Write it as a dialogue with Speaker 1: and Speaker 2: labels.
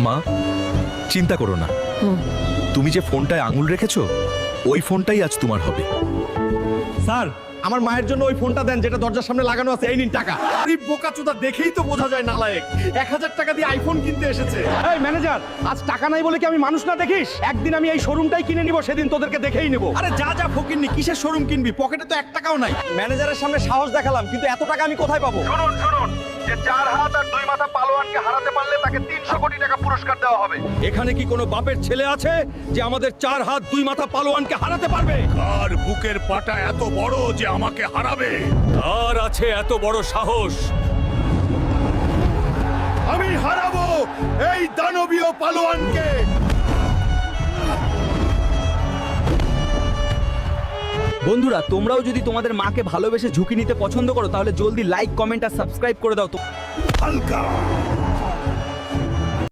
Speaker 1: মা চিন্তা করো না, তুমি যে ফোনটায় আঙুল রেখেছো ওই ফোনটাই আজ তোমার হবে।
Speaker 2: স্যার আমার মায়ের জন্য ওই ফোনটা দেন যেটা দরজার সামনে লাগানো আছে। এই নিন টাকা। আরে বোকাচোদা, দেখেই তো বোঝা যায় নালায়েক। 1000 টাকা দিয়ে আইফোন কিনতে এসেছে। এই ম্যানেজার, আজ টাকা নাই বলে কি আমি মানুষ না দেখিস? একদিন আমি এই শোরুমটাই কিনে নিব, সেদিন তোদেরকে দেখেই নেব। আরে যা যা ফকিন্নি, কিসের শোরুম কিনবি? পকেটে তো 1 টাকাও নাই। ম্যানেজারের সামনে সাহস দেখালাম, কিন্তু এত টাকা আমি কোথায় পাবো?
Speaker 3: শুনুন শুনুন, যে 4 হাত আর 2 মাথা পালোয়ানকে হারাতে পারলে তাকে 300 কোটি টাকা পুরস্কার দেওয়া হবে।
Speaker 2: এখানে কি কোনো বাপের ছেলে আছে যে আমাদের 4 হাত 2 মাথা পালোয়ানকে হারাতে পারবে?
Speaker 4: আর বুকের পাটা এত বড় যে আমাকে হারাবে?
Speaker 2: আর আছে এত বড় সাহস?
Speaker 4: আমি হারাবো এই দানবীয় পালোয়ানকে।
Speaker 5: বন্ধুরা, তোমরাও যদি তোমাদের মাকে ভালোবেসে ঝুঁকি নিতে পছন্দ করো তাহলে জলদি লাইক, কমেন্ট আর সাবস্ক্রাইব করে দাও তো।
Speaker 4: হালকা